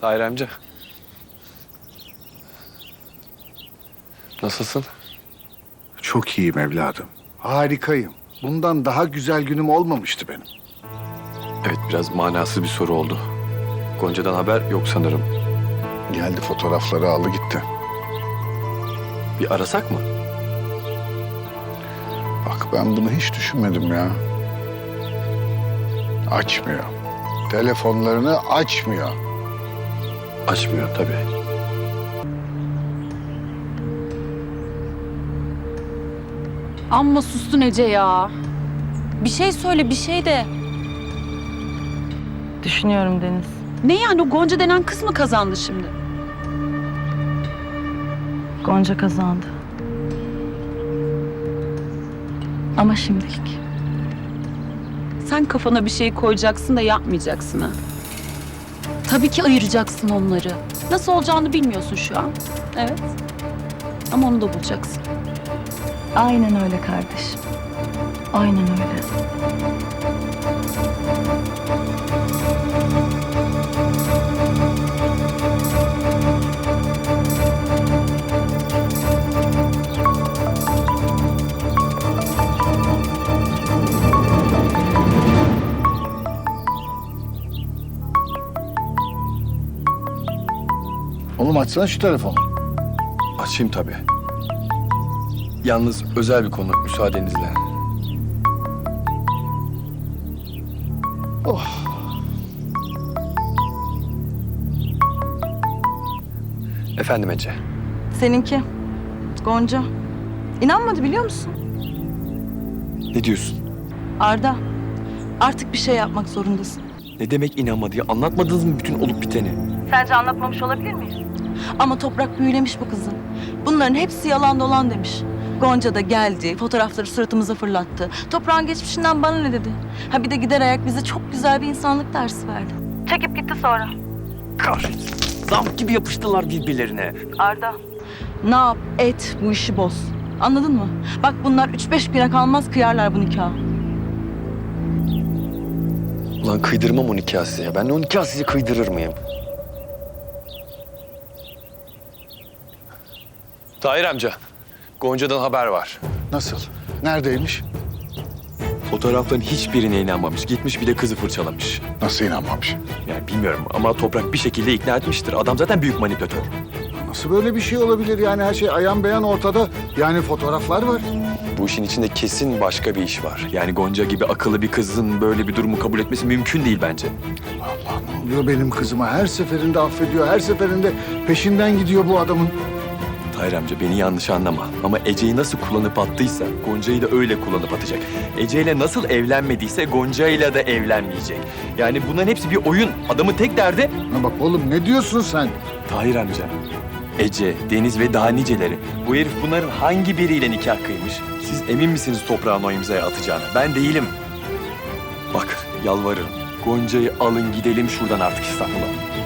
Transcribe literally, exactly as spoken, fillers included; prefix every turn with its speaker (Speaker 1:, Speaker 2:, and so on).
Speaker 1: Tahir amca. Nasılsın?
Speaker 2: Çok iyiyim evladım. Harikayım. Bundan daha güzel günüm olmamıştı benim.
Speaker 1: Evet, biraz manasız bir soru oldu. Gonca'dan haber yok sanırım.
Speaker 2: Geldi fotoğrafları aldı gitti.
Speaker 1: Bir arasak mı?
Speaker 2: Bak ben bunu hiç düşünmedim ya. Açmıyor. Telefonlarını açmıyor.
Speaker 1: Açmıyor tabii.
Speaker 3: Amma sustun Ece ya. Bir şey söyle, bir şey de.
Speaker 4: Düşünüyorum Deniz.
Speaker 3: Ne yani o Gonca denen kız mı kazandı şimdi?
Speaker 4: Gonca kazandı. Ama şimdilik.
Speaker 3: Sen kafana bir şey koyacaksın da yapmayacaksın ha. Tabii ki ayıracaksın onları. Nasıl olacağını bilmiyorsun şu an. Evet. Ama onu da bulacaksın.
Speaker 4: Aynen öyle kardeşim. Aynen öyle.
Speaker 2: Oğlum açsana şu telefonu.
Speaker 1: Açayım tabii. Yalnız özel bir konu, müsaadenizle.
Speaker 2: Oh.
Speaker 1: Efendim Ece.
Speaker 4: Seninki. Gonca. İnanmadı biliyor musun?
Speaker 1: Ne diyorsun?
Speaker 4: Arda. Artık bir şey yapmak zorundasın.
Speaker 1: Ne demek inanmadı ya? Anlatmadınız mı bütün olup biteni?
Speaker 4: Sence anlatmamış olabilir miyiz? Ama Toprak büyülemiş bu kızı. Bunların hepsi yalan dolan demiş. Gonca da geldi, fotoğrafları suratımıza fırlattı. Toprağın geçmişinden bana ne dedi? Ha bir de gider ayak bize çok güzel bir insanlık dersi verdi. Çekip gitti sonra.
Speaker 1: Kahretsin. Zamp gibi yapıştılar birbirlerine.
Speaker 4: Arda. Ne yap, et, bu işi boz. Anladın mı? Bak bunlar üç beş güne kalmaz kıyarlar bu nikahı.
Speaker 1: Ulan kıydırmam o nikahı size ya. Ben de o nikahı size kıydırır mıyım? Tahir amca, Gonca'dan haber var.
Speaker 2: Nasıl? Neredeymiş?
Speaker 1: Fotoğrafların hiçbirine inanmamış. Gitmiş bir de kızı fırçalamış.
Speaker 2: Nasıl inanmamış?
Speaker 1: Yani bilmiyorum ama Toprak bir şekilde ikna etmiştir. Adam zaten büyük manipülatör.
Speaker 2: Nasıl böyle bir şey olabilir yani her şey ayan beyan ortada. Yani fotoğraflar var.
Speaker 1: Bu işin içinde kesin başka bir iş var. Yani Gonca gibi akıllı bir kızın böyle bir durumu kabul etmesi mümkün değil bence.
Speaker 2: Allah ne oluyor benim kızıma? Her seferinde affediyor, her seferinde peşinden gidiyor bu adamın.
Speaker 1: Tahir amca beni yanlış anlama. Ama Ece'yi nasıl kullanıp attıysa Gonca'yı da öyle kullanıp atacak. Ece'yle nasıl evlenmediyse Gonca'yla da evlenmeyecek. Yani bunların hepsi bir oyun. Adamın tek derdi
Speaker 2: Ha bak oğlum ne diyorsun sen?
Speaker 1: Tahir amca. Ece, Deniz ve daha niceleri. Bu herif bunların hangi biriyle nikah kıymış? Siz emin misiniz toprağın o imzaya atacağına? Ben değilim. Bak yalvarırım. Gonca'yı alın gidelim şuradan artık İstanbul'a.